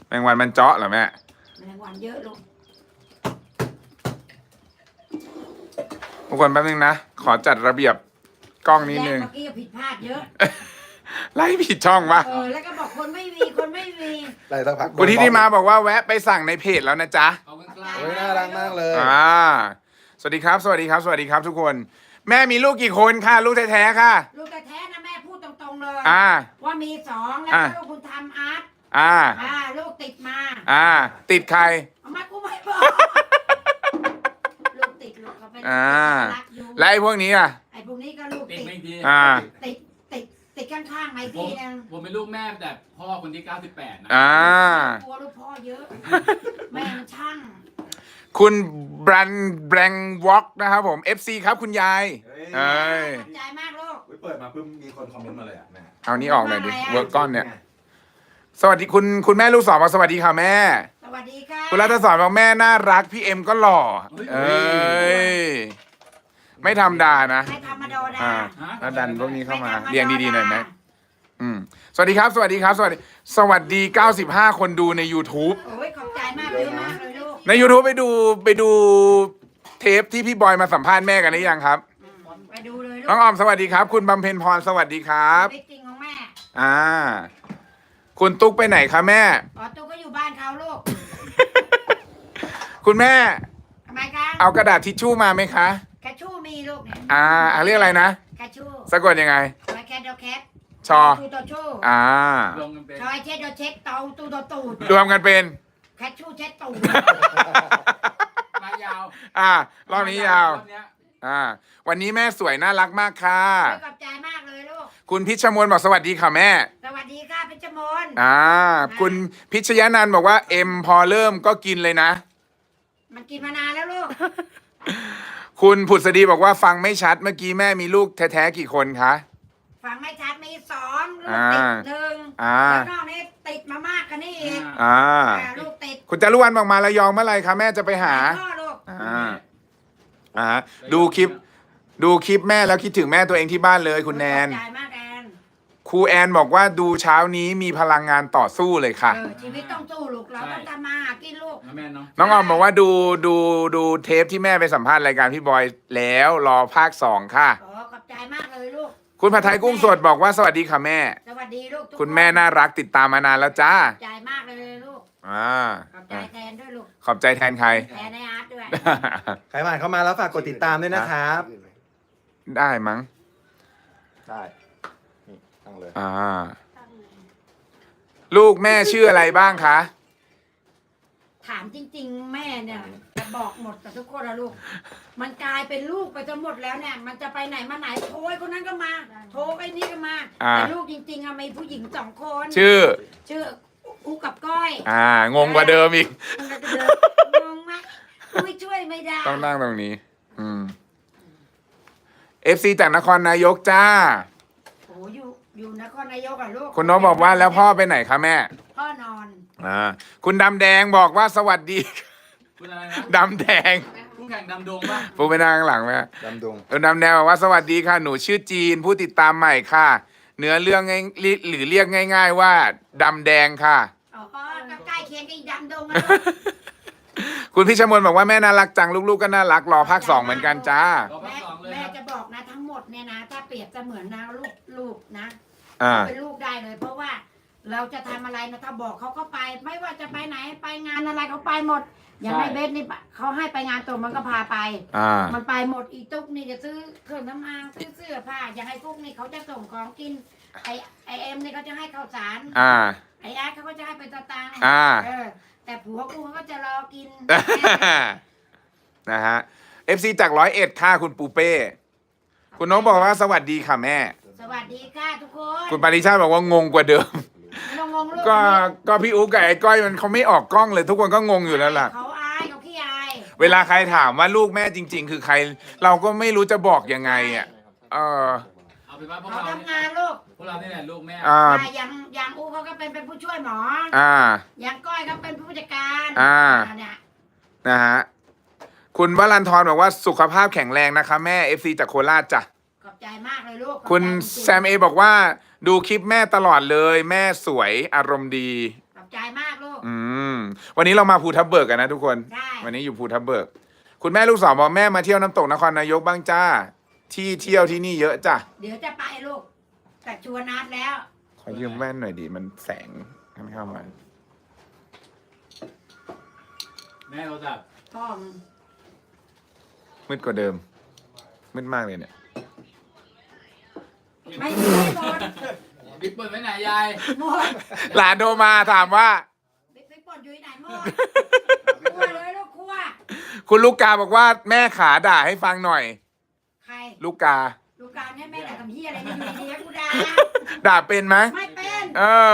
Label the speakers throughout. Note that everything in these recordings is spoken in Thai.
Speaker 1: แมงวันมันเจาะเหรอแม่
Speaker 2: แมลงวันเยอะลูก
Speaker 1: ทุกคนแป๊บนึงนะขอจัดระเบียบกล้องนิดนึง
Speaker 2: เมื่อกี้ผิดพลาดเยอะ
Speaker 1: ไล่ผิดช่องวะ
Speaker 2: แล้วก็บอกคนไม่มีคนไม่มี
Speaker 3: ไล่สักพัก
Speaker 1: คุณที่มาบอกว่าแวะไปสั่งในเพจแล้วนะจ๊ะ
Speaker 4: ขอบคุณครับ
Speaker 3: โอ้ยน่ารักมากเลย
Speaker 1: สวัสดีครับ สวัสดีครับ สวัสดีครับทุกคน แม่มีลูกกี่คนค่ะ ลูกแท้ๆค่ะ
Speaker 2: ลูกแท้ๆนะแม่พูดตรงๆเลย ว่ามี2แล้วลูกคุณทำอาร์ตลูกติดมา
Speaker 1: ติดใคร
Speaker 2: เอามากูไม่บอกลูกติดลูกเขาเป็นรักอยู่
Speaker 1: และไอ้พวกนี้อ่ะ
Speaker 2: ไอ้พวกนี้ก็ลูกติดติดข้างๆไหมพี่นึง
Speaker 4: ผมเป็นลูกแม่แต่พ่อคนที่98นะ
Speaker 2: กลัวลูกพ่อเยอะแม่มันช่าง
Speaker 1: คุณแบรนด์วอล์กนะครับผม FC ครับคุณยาย
Speaker 2: ขอบใจมากลูก
Speaker 3: เปิดมาเพิ่งมีคนคอมเมนต์มาเลยอ่ะแม่
Speaker 1: เอานี้ออกหน่อยดิเวิร์กก้อนเนี่ยสวัสดีคุณแม่ลูกศรบอกสวัสดีค่ะแม่
Speaker 2: สวัสดีค่ะ
Speaker 1: คุณรัตศรบอกแม่น่ารักพี่เอ็มก็หล่อไม่ธรรมดานะ
Speaker 2: ไม่ธรรมดา
Speaker 1: แล้วดันพวกนี้เข้ามาเรียงดีๆหน่อยไหมสวัสดีครับสวัสดีครับสวัสดี95คนดูใน YouTube
Speaker 2: โอ้ยขอบใจมากเลยมากเลยลูก
Speaker 1: ใน YouTube ไปดูเทปที่พี่บอยมาสัมภาษณ์แม่กันหรือยังครับ
Speaker 2: ไปดูเลย
Speaker 1: น้องออมสวัสดีครับคุณบำเพ็ญพรสวัสดีครับ
Speaker 2: จริงของแม่
Speaker 1: คุณตุ๊กไปไหนคะแม่
Speaker 2: ตุ๊กก็อยู่บ้านเขาลูก
Speaker 1: คุณแม่
Speaker 2: ทำไมคะ
Speaker 1: เอากระดาษทิชชู่มาไหมคะ
Speaker 2: แคชชู่มีลูกเนี่ย
Speaker 1: เรียกอะไรนะ
Speaker 2: แคชชู่
Speaker 1: สะกดยังไง
Speaker 2: แคทแคท
Speaker 1: ชอ
Speaker 2: ตูตัวชู่
Speaker 4: รวมกันเป็น
Speaker 2: ชอยเช็ดเช็ดเตาตูตัวตูด
Speaker 1: รวมกันเป็น
Speaker 2: แคชชู่เช็ดตูด
Speaker 4: มายาว
Speaker 1: รอบนี้ยาววันนี้แม่สวยน่ารักมากค่ะ
Speaker 2: ขอบใจมากเลยลูก
Speaker 1: คุณพิชมนบอกสวัสดีค่ะแม่
Speaker 2: สวัสดีค่ะพิชมน
Speaker 1: คุณพิชยานันท์บอกว่าเอ็มพอเริ่มก็กินเลยนะ
Speaker 2: มันกินมานานแล้วลูก
Speaker 1: คุณผุดสดีบอกว่าฟังไม่ชัดเมื่อกี้แม่มีลูกแท้ๆกี่คนคะ
Speaker 2: ฟังไม่ชัดมี2ลูกติด1แล้วนอกนี้ติดมามากกันนี่อีกลูกติด
Speaker 1: คุณจารุวรรณบอกมาระยองเมื่อไหร่คะแม่จะไปหาดูคลิปแม่แล้วคิดถึงแม่ตัวเองที่บ้านเลยคุณแนนครูแอนบอกว่าดูเช้านี้มีพลังงานต่อสู้เลยค่ะ
Speaker 2: ชีวิตต้องสู้ลูกเราต้องทำมาหากินลูก
Speaker 1: น้องออมบอกว่าดูเทปที่แม่ไปสัมภาษณ์รายการพี่บอยแล้วรอภาค2ค่ะ
Speaker 2: ขอบใจมากเลยลูก
Speaker 1: คุณผัดไทยกุ้งสดบอกว่าสวัสดีค่ะแม่
Speaker 2: สวัสดีลูก
Speaker 1: คุณแม่น่ารักติดตามมานานแล้วจ้า
Speaker 2: ขอบใจมากเลยลูกขอบใจแทนด้วยลูก
Speaker 1: ขอบใจแทนใคร
Speaker 2: แทนในอาร์ตด้วย
Speaker 3: ใครผ่านเข้ามาแล้วฝากกดติดตามด้วยนะครับ
Speaker 1: ได้มั้ง
Speaker 3: ได้นี่ตั้งเลย
Speaker 1: ลูกแม่ชื่ออะไรบ้างคะ
Speaker 2: ถามจริงๆแม่เนี่ยจะบอกหมดกับทุกคนนะลูกมันกลายเป็นลูกไปจนหมดแล้วเนี่ยมันจะไปไหนมาไหนโทรคนนั้นก็มาโทรไอ้นี่ก็มาแต่ลูกจริงๆมีผู้หญิง2คน
Speaker 1: ชื่อ
Speaker 2: อูกับก้อย
Speaker 1: งงกว่าเดิมอีก
Speaker 2: งงไหมช่วยไม่ได้
Speaker 1: ต้องนั่งตรงนี้FC จากนครนายกจ้า
Speaker 2: โอ้อยู่นครนายกอ่ะลูก
Speaker 1: คุณน้องบอกว่าแล้วพ่อไปไหนคะแม่
Speaker 2: พ่อนอน
Speaker 1: คุณดำแดงบอกว่าสวัสดี
Speaker 4: คุณอะไรนะ
Speaker 1: ดำแดง
Speaker 4: ผู้แข่งดำดงป่ะ
Speaker 1: ผู้ไปนั่งข้างหลังไหม
Speaker 3: ดำดง
Speaker 1: คุณดำแดงบอกว่าสวัสดีค่ะหนูชื่อจีนผู้ติดตามใหม่ค่ะเนื้อเรื่องหรือเรียกง่ายๆว่าดำแดงค่ะ
Speaker 2: ก็ใกล้เคียงกับดำดง
Speaker 1: คุณพิชมนบอกว่าแม่น่ารักจังลูกๆก็น่ารักรอภาค2เหมือนกันจ้า
Speaker 2: แม่จะบอกนะทั้งหมดเนี่ยนะถ้าเปรียบจะเหมือนนะลูกนะเป็นลูกได้เลยเพราะว่าเราจะทำอะไรนะถ้าบอกเขาก็ไปไม่ว่าจะไปไหนไปงานอะไรเขาไปหมดอย่างในเบสนี่เขาให้ไปงานตัวมันก็พาไปมันไปหมดอีตุ๊กนี่จะซื้อเครื่องน้ำมันซื้อเสื้อผ้าอย่างไอ้กุ๊กนี่เขาจะส่งของกินไอเอ็มนี่เขาจะให้ข้าวสารไออาร์ตเขาก็จะให้เป็นตังค์แต่ผัวกูเขาก็จะรอกิน
Speaker 1: นะฮะ FC จาก101ค่ะคุณปูเป้คุณน้องบอกว่าสวัสดีค่ะแม่
Speaker 2: สวัสดีค่ะทุกคน
Speaker 1: คุณปาริชาติบอกว่างงกว่าเดิมก็พี่อุ๊กกับไอ้ก้อยมันเขาไม่ออกกล้องเลยทุกคนก็งงอยู่แล้วล่ะ
Speaker 2: เขาอายเขาขี้อาย
Speaker 1: เวลาใครถามว่าลูกแม่จริงๆคือใครเราก็ไม่รู้จะบอกยังไง
Speaker 4: เอาเป็นว่าพวกเรา
Speaker 2: ทำงานลูก
Speaker 4: พวกเรานี่แหละลูกแม่
Speaker 2: อย่างอูเขาก็เป็นผู้ช่วยหมออย่างก้อยก็เป็นผู้จัดการเนี่ย
Speaker 1: นะฮะคุณวรันทรบอกว่าสุขภาพแข็งแรงนะคะแม่ FC จากโคราชจ้ะ
Speaker 2: ขอบใจมากเลยลูก
Speaker 1: คุณแซมเอบอกว่าดูคลิปแม่ตลอดเลยแม่สวยอารมณ์ดี
Speaker 2: ใจมากลูก
Speaker 1: วันนี้เรามาภูทับเบิกกันนะทุกคน
Speaker 2: ได้
Speaker 1: วันนี้อยู่ภูทับเบิก คุณแม่ลูกสาวบอกแม่มาเที่ยวน้ำตกนครนายกบ้างจ้า ที่เที่ยวที่นี่เยอะจ้ะ
Speaker 2: เดี๋ยวจะไปลูกแต่ชวนนัดแล้ว
Speaker 1: ขอยืมแว่นหน่อยดิมันแสงมันเข้ามา
Speaker 4: แม่โทรศัพท์
Speaker 2: พ่อมึง
Speaker 1: มืดกว่าเดิม มืดมากเลยเนี่ย
Speaker 2: ไม่หมด
Speaker 4: บิ๊กเปิดไว้ไหนยาย
Speaker 2: หมด
Speaker 1: หลานโทรมาถามว่า
Speaker 2: ไปปนอยู่ที่ไหนหมดคั่วเลยลูกคั่ว
Speaker 1: คุณลูกกาบอกว่าแม่ขาด่าให้ฟังหน่อย
Speaker 2: ใคร
Speaker 1: ลูกกา
Speaker 2: ลูกการเนี่ยแม่ด่าทำเฮียอะไรเนี่ยอยู่ดีๆกูด่า
Speaker 1: ด่าเป็นไหม
Speaker 2: ไม่เป็น
Speaker 1: เออ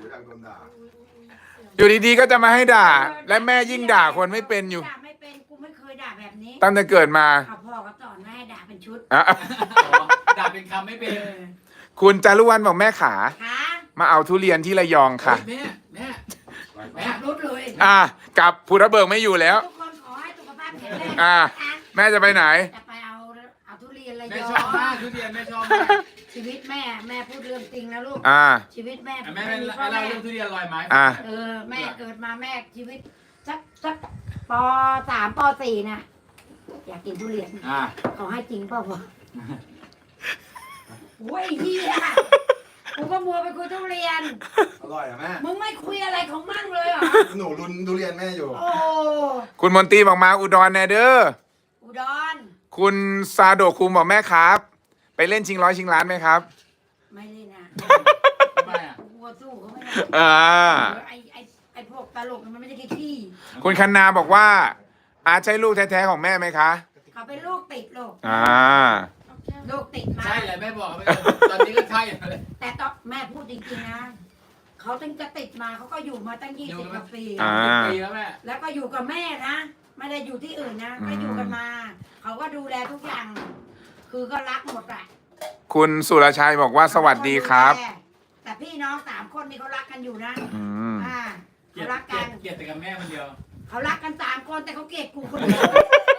Speaker 1: อยู่ดีๆก็จะมาให้ด่า และแม่ยิ่งด่าคนไม่เป็นอยู่
Speaker 2: ด่าไม่เป็นกูไม่เคยด่าแบบนี้
Speaker 1: ตั้งแต่เกิดมา
Speaker 2: เอาพ่อก็สอนแม่ให้ด่าเป็นชุด
Speaker 1: อ่ะ
Speaker 4: อ๋อด่าเป็นคำไม่เป็น
Speaker 1: คุณจารุวรรณบอกแม่ขา
Speaker 2: ขา
Speaker 1: มาเอาทุเรียนที่ระยองค่ะ
Speaker 4: แม่แม่แม่
Speaker 2: ขับรถเลย
Speaker 1: กลับภูทับเบิกไม่อยู่แล้ว
Speaker 2: ทุกคนขอให้สุขภาพแข็งแรง
Speaker 1: อ่า
Speaker 2: นะคะ
Speaker 1: แม่จะไปไหน
Speaker 2: จะไปเอาทุเรียนระ
Speaker 4: แม่
Speaker 2: ยอ
Speaker 4: ชอบมาก
Speaker 2: ง
Speaker 4: ทุเรียนแม่ชอบมาก
Speaker 2: ชีวิตแม่พูดเรื่องจริงนะลูก
Speaker 1: อ่า
Speaker 2: ชีวิตแม่
Speaker 4: แม่
Speaker 2: ไม่
Speaker 4: ไม่
Speaker 2: มีพ่อ
Speaker 4: เล่า
Speaker 2: แม่
Speaker 4: เรื่องทุเรียนลอยไม้
Speaker 1: อ่า
Speaker 2: แม่เกิดมาแม่ชีวิตสักป.3 ป.4 น่ะอยากกินทุเรียน เขาให้จริงเปล่าวะโอ้ยเฮียกูก็มัวไปคุยทุเรียน
Speaker 3: อร่อยอ่ะแม่
Speaker 2: มึงไม่คุยอะไรของมั่งเลยเหรอ
Speaker 3: หนูรุนทุเรียนแม่อยู่
Speaker 2: โอ้
Speaker 1: คุณมนตรีบอกมาอุดรแนเดอร์
Speaker 2: อุดร
Speaker 1: คุณซาโดะคุมบอกแม่ครับ ไปเล่นชิงร้อยชิงล้านไหมครับ
Speaker 2: ไม่เล่นนะ
Speaker 4: ทำไมอ่ะ
Speaker 2: กูกลัวสู้เขาไม่ได้
Speaker 1: อ่า
Speaker 2: ไอ้พวกตลกมันไม่ใช่ขี้
Speaker 1: คุณคันนาบอกว่า อาใช่ลูกแท้ๆของแม่ไหมคะ
Speaker 2: เขาเป็นลูกติดลูก
Speaker 1: อ่า
Speaker 2: ลูกติดมา
Speaker 4: ใช่แหละแม่บอกตอนนี้ก็ใช่เลย
Speaker 2: แต่ตอนแม่พูดจริงๆนะเขาตั้งจะติดมาเขาก็อยู่มาตั้ง
Speaker 4: อยู่
Speaker 2: 20
Speaker 4: กั
Speaker 2: ก
Speaker 4: น
Speaker 2: ว่าปี
Speaker 1: อ่า
Speaker 4: ปีแล้วแม่
Speaker 2: แล้วก็อยู่กับแม่นะไม่ได้อยู่ที่อื่นนะก็อยู่กันมา เขาก็ดูแลทุกอย่าง คือก็รักหมดอะ
Speaker 1: คุณสุรชัยบอกว่าสวัสดีครับ
Speaker 2: แต่พี่น้อง3 คนนี่เขารักกันอยู่นะ
Speaker 1: อืม
Speaker 4: เกลีย
Speaker 2: เขา
Speaker 4: ด
Speaker 2: รักกัน
Speaker 4: เกลียดแต่กับแม่คนเดียว
Speaker 2: เขารักกัน3 คนแต่เขาเกลียดกูคนเดียว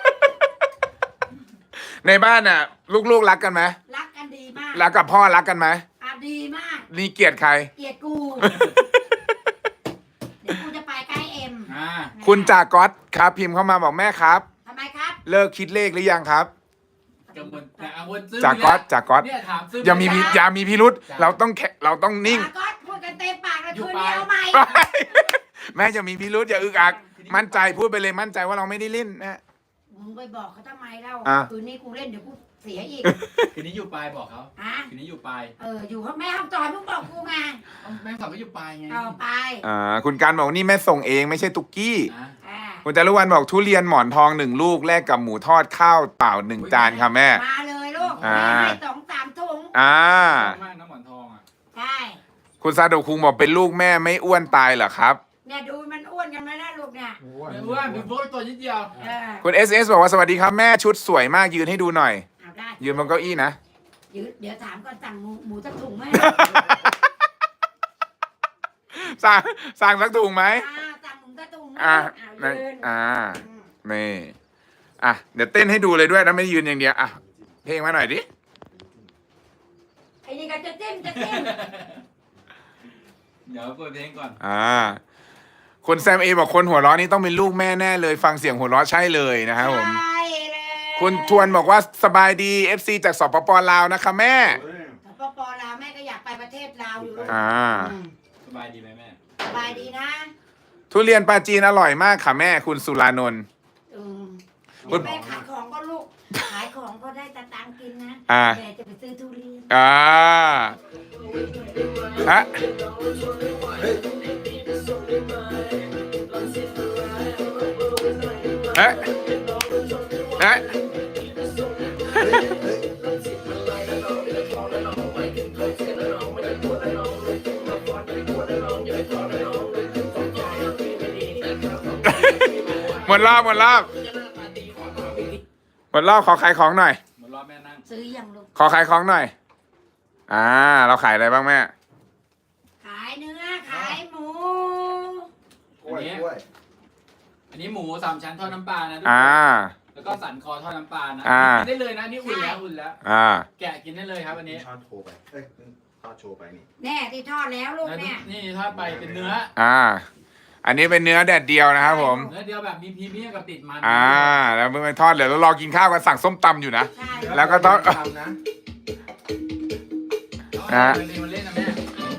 Speaker 1: ในบ้านน่ะ ลูกๆรักกันไหม
Speaker 2: รักกันดีมาก
Speaker 1: รักกับพ่อรักกันไหม
Speaker 2: ดีมาก
Speaker 1: นี่เกลียดใคร
Speaker 2: เกลียดกู เดี๋ยวกูจะไปใกล้เอ็ม
Speaker 1: คุณจากก๊อตครับพิมพ์เข้ามาบอกแม่ครับ
Speaker 2: ทำไมครับ
Speaker 1: เลิกคิดเลขหรือยังครับ
Speaker 4: กังวลแต่กังวลซึม
Speaker 1: จากก๊อตจากก๊อต
Speaker 4: เนี่ยถามซึม
Speaker 1: อย่ามีพิรุษเราต้องนิ่ง
Speaker 2: ก็พูดกันเต็มปากแล้ว
Speaker 4: อยู่
Speaker 2: คืน
Speaker 4: ไป
Speaker 2: นี้เอาใหม่
Speaker 1: แม่จะมีพิรุษอย่าอึกอัก มั่นใจพูดไปเลยมั่นใจว่าเราไม่ได้เล่นนะ
Speaker 2: มึงไปบอกเขาทำไมเล่า
Speaker 1: อ่ะ
Speaker 2: คืนนี้กูเล่นเดี๋ยวกูเสียอีก
Speaker 4: คืนนี้อยู่ปลายบอกเขา
Speaker 2: ฮะ
Speaker 4: คืนนี้อยู่ปลาย
Speaker 2: อยู่ห้องแม่ห้องจอยมึงบอกกูไง
Speaker 4: แม่งสอนก็อยู่ปลายไง
Speaker 2: เอาไป
Speaker 1: คุณการบอกนี่แม่ส่งเองไม่ใช่ตุกกี้
Speaker 4: อ่ะ
Speaker 2: อ่า
Speaker 1: คุณจารุวรรณบอกทุเรียนหมอนทอง1 ลูกแลกกับหมูทอดข้าวเปล่า1 จานค่ะแม่
Speaker 2: มาเลยลูก
Speaker 1: อ่า
Speaker 2: แม่ให้2-3 ถุง
Speaker 1: อ่า
Speaker 4: ชอบมากน้ำหมอนทองอ่ะ
Speaker 2: ใช่
Speaker 1: คุณซาโดะคุงบอกเป็นลูกแม่ไม่อ้วนตายเหรอครับ
Speaker 2: เนี่ยดูมันอ้วนกันไหมนะลูกเนี่ย
Speaker 4: ไม่อ้วนเป็นพวกตัวนิดเดียว
Speaker 2: เออ
Speaker 1: คุณ SS บอกว่าสวัสดีครับแม่ชุดสวยมากยืนให้ดูหน่อย
Speaker 2: เอาได้
Speaker 1: ยืนบนเก้าอี้นะ
Speaker 2: เดี๋ยวถามก่อนสั่งหมูสักถุงไหม
Speaker 1: สั่งสักถุงไหม
Speaker 2: สั่งหมูสักถุงไหม
Speaker 1: อ่า
Speaker 2: เอายืน
Speaker 1: อ่า
Speaker 2: อืม
Speaker 1: นี่อ่ะเดี๋ยวเต้นให้ดูเลยด้วยนะไม่ได้ยืนอย่างเดียวอ่ะเพลงมาหน่อยดิ
Speaker 2: ไอ้นี่ก็จะจิ้มจะจิ้ม
Speaker 4: เดี๋ยวเปิดเพลงก่อน
Speaker 1: คุณแซมเอบอกคนหัวเราะนี่ต้องเป็นลูกแม่แน่เลย ฟังเสียงหัวเราะใช่เลยนะครับผม
Speaker 2: ใช่เลย
Speaker 1: คุณทวนบอกว่าสบายดี FC จากสปปลาวนะคะแม่
Speaker 2: ปปลาวแม่ก็อยากไปประเทศลาวอยู่ลูก
Speaker 1: อ่า
Speaker 2: อืม
Speaker 4: สบายดีไหมแม่
Speaker 2: สบายดีนะ
Speaker 1: ทุเรียนปลาจีนอร่อยมากค่ะแม่คุณสุรานนท์
Speaker 2: อืม
Speaker 1: คุณ
Speaker 2: แม่ขายของก็ลูก ขายของก็ได้ตังค์กินนะ
Speaker 1: อ่า
Speaker 2: แม่จะไปซื้อทุเรียน
Speaker 1: ฮะเอ๊ะเอ๊ะหมดรอบขอขายของหน่อย
Speaker 4: หมดรอบแม่นั่ง
Speaker 2: ซื้อยังลูก
Speaker 1: ขอขายของหน่อย เราขายอะไรบ้างแม่
Speaker 2: ขายเนื้อ ขายหมู
Speaker 3: กล้วยกล้วย
Speaker 4: อันนี้หมู3 ชั้นทอดน้ำปลานะทุกค
Speaker 1: อ่า
Speaker 4: นแล้วก็สันคอทอดน้ำปลานะ
Speaker 1: อ่า
Speaker 4: กินได้เลยนะนี่อุ่นแล้ว
Speaker 1: อ่า
Speaker 4: แกะกินได้เลยครับอันนี้
Speaker 3: ช้อนโทรไปเอ้ยทอดโชว์ไปนี่
Speaker 2: แน่ที่ทอดแล้วลูก
Speaker 4: แล้ว
Speaker 2: เนี่ย
Speaker 4: นี่ทอดไปเป็นเนื้อ
Speaker 1: อันนี้เป็นเนื้อแดดเดียวนะครับผม
Speaker 4: เนื้อเดียวแบบมีพรีเมียมกับติดมัน
Speaker 1: แล้วเมื่อไปทอดเดี๋ยวเรารอกินข้าวกันสั่งส้มตำอยู่นะ
Speaker 2: ใช่
Speaker 1: แล้วก็ต้อง
Speaker 3: ทำนะ
Speaker 4: มันเล่นนะแม่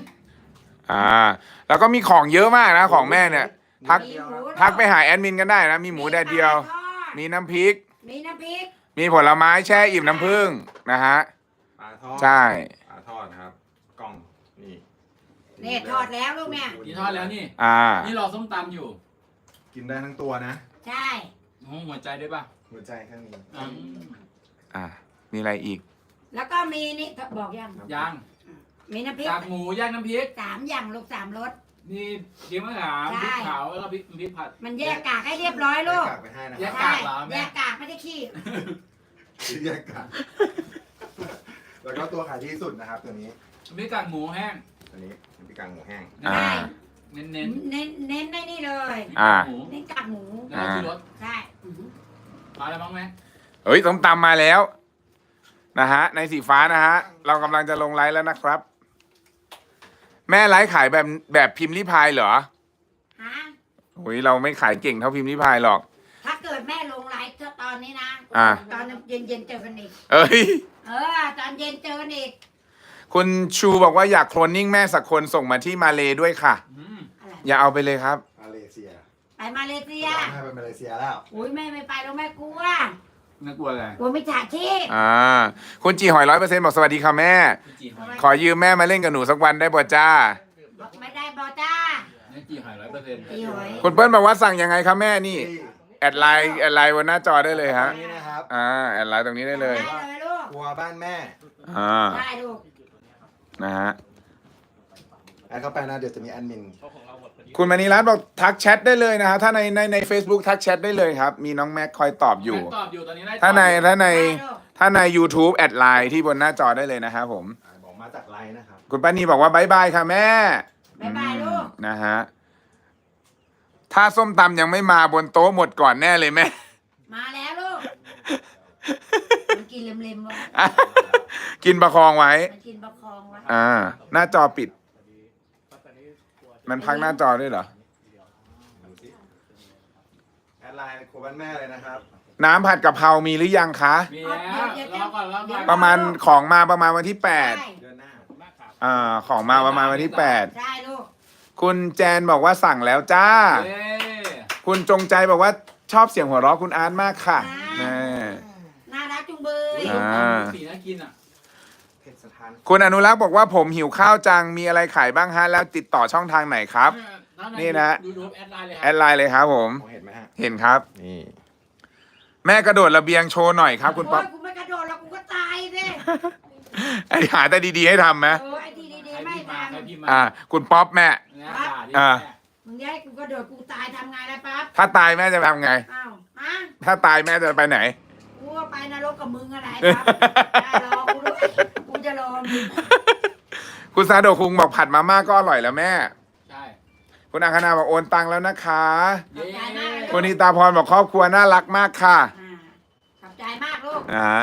Speaker 1: แล้วก็มีของเยอะมากนะของแม่เนี่ย ทัก
Speaker 2: มีหมู
Speaker 1: ทักไปหาแอดมินกันได้นะ มีหมูแดดเดียว
Speaker 2: มี
Speaker 1: มีน้ำพริก
Speaker 2: มีน้ำพริก
Speaker 1: มีผลไม้แช่อิ่มน้ำผึ้งนะฮะ
Speaker 3: ปลาทอด
Speaker 1: ใช่
Speaker 3: ปลาทอดนะครับ กล่องนี่
Speaker 2: นี่ทอดแล้วลูกเนี่ย
Speaker 4: กินทอดแล้วนี่ นี่รอส้มตำอยู่
Speaker 3: กินได้ทั้งตัวนะ
Speaker 2: ใช่
Speaker 4: หัวใจด้วยป่ะ
Speaker 3: หัวใจข้างนี้
Speaker 1: มีอะไรอีก
Speaker 2: แล้วก็มีนี่บอกยัง
Speaker 4: ย่าง
Speaker 2: มีน้ำพริก
Speaker 4: กากหมูย่างน้ำพริก
Speaker 2: 3 อย่างลูก3 รส
Speaker 4: นี่เกี๊ยวมะขามพริกขาวแล้วก็พริกผัด
Speaker 2: มันแยกกากให้เรียบร้อยลูก
Speaker 3: แยกกากไปให้นะ
Speaker 4: แย
Speaker 3: ค
Speaker 4: ก
Speaker 3: รับ
Speaker 2: ใช่
Speaker 4: กากเหรอแม่
Speaker 2: แยกกากไม่ได้ขี้
Speaker 3: แยกกากแล้วก็ตัวขายที่สุดนะครับตัวนี้
Speaker 4: พริกกากหมูแห้ง
Speaker 3: ตัวนี้เป็นปีกางหมูแห้ง
Speaker 1: อ่า
Speaker 4: เน้น
Speaker 2: เน้นได้นี่เลย
Speaker 4: หมู
Speaker 2: เน้นกากหมู
Speaker 4: แล้วก็ชูรส
Speaker 2: ใช่อื้อหือ
Speaker 4: มาแล้วมั้งแม่
Speaker 1: เฮ้ยส้มตำมาแล้วนะฮะในสีฟ้านะฮะเรากำลังจะลงไลฟ์แล้วนะครับ แม่ไลฟ์ขายแบบพิมพ์ริพายเหรอ
Speaker 2: ฮะ
Speaker 1: โอ้ยเราไม่ขายเก่งเท่าพิมพ์ริพายหรอก
Speaker 2: ถ้าเกิดแม่ลงไลฟ์ตอนนี้นะ ตอนเย็นเจอกันอีก
Speaker 1: เอ้ย
Speaker 2: ตอนเย็นเจอกันอีก
Speaker 1: คุณชูบอกว่าอยากโคลนนิ่งแม่สักคนส่งมาที่มาเลด้วยค่ะ
Speaker 2: อะไร
Speaker 1: อย่าเอาไปเลยครับ
Speaker 3: มาเลเซีย
Speaker 2: ไปมาเลเซีย
Speaker 3: ให้ไปมาเลเซียแล้ว
Speaker 2: อุ้ยแม่ไม่ไปแล้วแม่กลัว
Speaker 4: น่ากลัวอะไร
Speaker 2: กลัวไม่จ่าชีพ
Speaker 1: คุณจีหอย100%บอกสวัสดีค่ะแม่
Speaker 4: นี่จีหอย
Speaker 1: ขอยืมแม่มาเล่นกับหนูสักวันได้ป่ะจ้า
Speaker 2: ไม่ได้บอจ้า
Speaker 4: นี่จีหอย100%
Speaker 2: ตีหอย
Speaker 1: คุณเปิ้ลบอกว่าสั่งยังไงครับแม่นี่ แอดไลน์บนหน้าจอได้เลยฮะ
Speaker 3: อันนี้นะครับ
Speaker 1: แอดไลน์ตรงนี้ได้เลย
Speaker 2: ได้เลยลูก
Speaker 3: ครัวบ้านแม่
Speaker 2: ได้ลูก
Speaker 1: นะฮะ
Speaker 3: แอดเข้าไปนะเดี๋ยวจะมีแอดมิน
Speaker 1: คุณมณีรัตน์บอกทักแชทได้เลยนะฮะถ้าใน Facebook ทักแชทได้เลยครับ มีน้องแม็กคอยตอบอยู่
Speaker 4: ตอบอยู่ตอนนี้ได้
Speaker 1: ถ้าใน
Speaker 2: ได้ลูก
Speaker 1: ถ้าใน YouTube แอดไลน์ที่บนหน้าจอได้เลยนะครับผม
Speaker 3: บอกมาจากไลน์นะครับ
Speaker 1: คุณป้านีบอกว่าบายบายค่ะแม่
Speaker 2: บ๊ายบายลูก
Speaker 1: นะฮะถ้าส้มตำยังไม่มาบนโต๊ะหมดก่อนแน่เลยแม่
Speaker 2: มาแล้วลูก มันกินเล็มๆวะ
Speaker 1: กินประคองไว้
Speaker 2: มันกินประคองวะ
Speaker 1: หน้าจอปิด มันพักหน้าจอด้วยเหรอ
Speaker 3: ดูสิแอดไลน์ครัวบ้านแม่เลยนะครับ
Speaker 1: น้ำผัดกะเพรามีหรือยังคะ
Speaker 4: มีแล้วรอก่อน
Speaker 1: ประมาณของมาประมาณวันที่
Speaker 2: ใช่
Speaker 3: เดือนหน้า
Speaker 1: ของมาประมาณวันที่
Speaker 2: ใช่ลูก
Speaker 1: 8คุณแจนบอกว่าสั่งแล้วจ้า
Speaker 4: เย้
Speaker 1: คุณจงใจบอกว่าชอบเสียงหัวเราะคุณอาร์ตมากค่ะแน่
Speaker 2: น่ารักจุงเบย
Speaker 4: สีน่ากินอ่ะ
Speaker 3: เพชรสถาน
Speaker 1: คุณอนุรักษ์บอกว่าผมหิวข้าวจังมีอะไรขายบ้างฮะ แล้วติดต่อช่องทางไหนครับ นี่นะ
Speaker 4: ยูทูบแอดไลน์เลยค
Speaker 1: แอ
Speaker 4: รับ
Speaker 1: ดไลน์เลยครับผม
Speaker 3: มองเห็นไหมฮะ
Speaker 1: เห็นครับ
Speaker 3: นี่
Speaker 1: แม่กระโดดระเบียงโชว์หน่อยครับคุณป๊อป
Speaker 2: โยกูไม่กระโดดแล้วกูก็ตายสิ
Speaker 1: ไอหาแต่ดีๆให้ทำไหม
Speaker 2: ไอ้ที่ดี
Speaker 4: ใคร
Speaker 2: ๆไม่
Speaker 4: พิมพ์มา
Speaker 2: ท
Speaker 4: ใครพิมพ์มา
Speaker 1: คุณป๊อปแม่
Speaker 4: เนี่ยด่าดิ
Speaker 2: ำมึงจะให้กูกระโดดกูตายทำไงล่ะปั๊บ
Speaker 1: ถ้าตายแม่จะทำไง
Speaker 2: อ้าวฮะ
Speaker 1: ถ้าตายแม่จะไปไหน
Speaker 2: กูก็ไปนรกกับมึงอะไรครับได้รอกูด้วยกูจะรอมึง
Speaker 1: คุณซาโดะคุงบอกผัดมาม่าก็อร่อยแล้วแม่
Speaker 4: ใช่
Speaker 1: คุณอังคณาบอกโอนตังแล้วนะคะ
Speaker 4: เย้
Speaker 1: คุณนิตาพรบอกครอบครัวน่ารักมากค่ะ
Speaker 2: ขอบใจมากลูก
Speaker 1: นะฮะ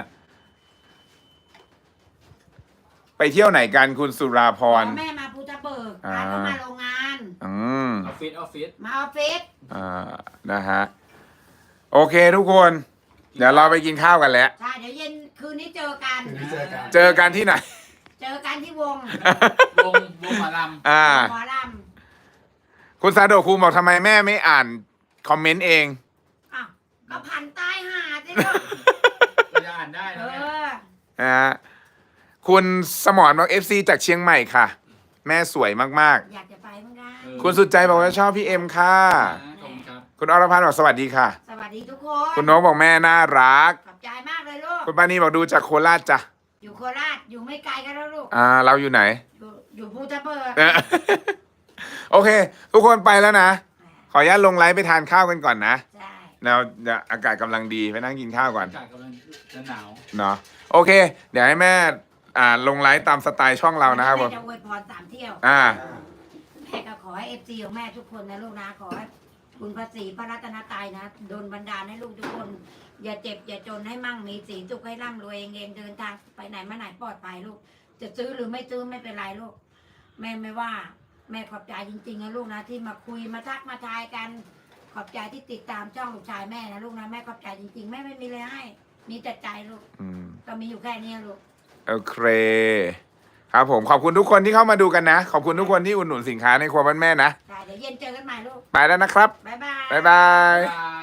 Speaker 1: ไปเที่ยวไหนกันคุณสุราพร
Speaker 2: แม่มาภูตะเบิกพาเขามาโรงงาน
Speaker 1: อืม
Speaker 4: ออฟฟิศ
Speaker 2: มาออฟฟิศ
Speaker 1: นะฮะโอเคทุกคน เดี๋ยวเราไปกินข้าวกันแล้ว
Speaker 2: ใช่เดี๋ยวเย็นคืนนี้เจอกัน
Speaker 3: คืนนี้เจอกัน
Speaker 1: เจอกันที่ไหน
Speaker 2: เจอกันที่วง
Speaker 4: วงหมอล
Speaker 2: หมอล
Speaker 1: คุณซาโดะคุงบอกทำไมแม่ไม่อ่านคอมเมนต์เอง
Speaker 2: ำอ้าวก็พันใต้หาดสิลูก
Speaker 4: ำก็จะอ่านได้
Speaker 2: เอ
Speaker 4: นะแม่
Speaker 2: อ
Speaker 1: นะฮะคุณสมรบอก FC จากเชียงใหม่ค่ะ แม่สวยมาก
Speaker 2: อยากจะไปมั้งนะ
Speaker 1: ๆ คุณสุดใจบอกว่าชอบพี่เอ็มค่ะ
Speaker 4: ขอบคุณครับ
Speaker 1: คุณอรพันธ์บอกสวัสดีค่ะ
Speaker 2: สวัสดีทุกคน
Speaker 1: คุณนกบอกแม่น่ารัก
Speaker 2: ขอบใจมากเลยลูก
Speaker 1: คุณปานีบอกดูจากโคราชจ้ะ
Speaker 2: อยู่โคราชอยู่ไม่ไกลกันแล้วลูก
Speaker 1: เราอยู่ไหน
Speaker 2: อยู่ภูตะเบิก
Speaker 1: โอเค ทุกคนไปแล้วนะ ขออนุญาตลงไลฟ์ไปทานข้าวกันก่อนนะ
Speaker 2: ใช่
Speaker 1: แล้วอากาศกำลังดีไปนั่งกินข้าวก่อน
Speaker 4: อากาศกำลังจะหนาว
Speaker 1: เนาะโอเค เดี๋ยวให้แม่ลงไลฟ์ตามสไตล์ช่องเรานะครับผม
Speaker 2: แม่จะอวยพร3 เที่ยว แม่ก็ขอให้FC ของแม่ทุกคนนะลูกนะขอให้คุณพระศรีพระรัตนตรัยนะโดนบันดาลให้ลูกทุกคน อย่าเจ็บอย่าจนให้มั่งมีสีสุขให้ร่ำรวยเองเดินทางไปไหนมาไหนปลอดภัยลูกจะซื้อหรือไม่ซื้อไม่เป็นไรลูกแม่ไม่ว่า แม่ขอบใจจริงๆนะลูกนะที่มาคุยมาทักมาทายกัน ขอบใจที่ติดตามช่องลูกชายแม่นะลูกนะแม่ขอบใจจริงๆแม่ไม่มีเลยให้ มีแต่ใจลูก
Speaker 1: อืม
Speaker 2: ก็มีอยู่แค่นี้ลูก
Speaker 1: โอเคครับผมขอบคุณทุกคนที่เข้ามาดูกันนะ ขอบคุณทุกคนที่อุดหนุนสินค้าในครัวบ้านแม่นะ
Speaker 2: ได้เดี๋ยวเย็นเจอกันใหม่ลูก
Speaker 1: ไปแล้วนะครับ
Speaker 2: บ๊ายบาย
Speaker 1: บ๊ายบาย
Speaker 4: บ๊ายบาย